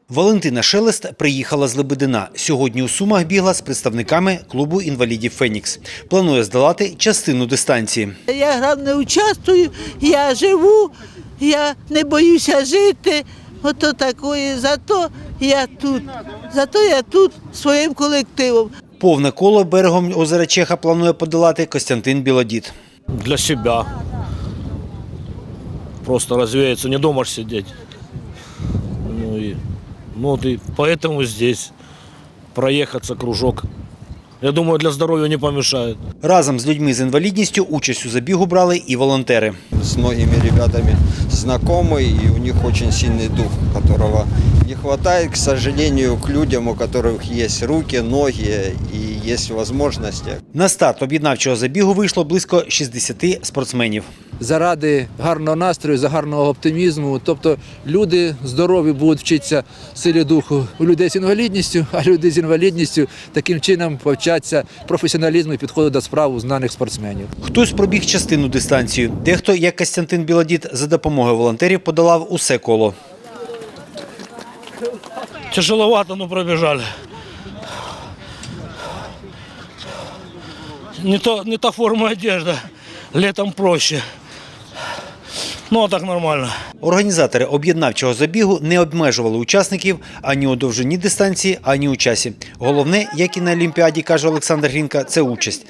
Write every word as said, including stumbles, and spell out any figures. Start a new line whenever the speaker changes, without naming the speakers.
Валентина Шелест приїхала з Лебедина. Сьогодні у Сумах бігла з представниками клубу інвалідів «Фенікс». Планує здолати частину дистанції.
Я грав не участвую, я живу, я не боюся жити. Ото такої, зато я тут, зато я тут своїм колективом.
Повне коло берегом озера Чеха планує подолати Костянтин Білодід.
Для себя. Просто развеяться, не дома ж сидеть. Ну и, ну вот и поэтому здесь проехаться кружок. Я думаю, для здоровья не помешает.
Разом з людьми з інвалідністю участь у забігу брали і волонтери.
С многими ребятами знакомый, и у них очень сильный дух, которого не хватает, к сожалению, к людям, у которых есть руки, ноги и есть возможности.
На старт об'єднавчого забігу вийшло близько шістдесят спортсменів.
Заради гарного настрою, за гарного оптимізму. Тобто люди здорові будуть вчитися силі духу у людей з інвалідністю, а люди з інвалідністю таким чином повчаться професіоналізму і підходу до справ у знаних спортсменів.
Хтось пробіг частину дистанцію. Дехто, як Костянтин Білодід, за допомогою волонтерів подолав усе коло.
Тяжеловато, но пробежали. Не, то, не та форма одежды, летом проще. Ну, а так нормально.
Організатори об'єднавчого забігу не обмежували учасників ані у довжині дистанції, ані у часі. Головне, як і на Олімпіаді, каже Олександр Грінка, це участь.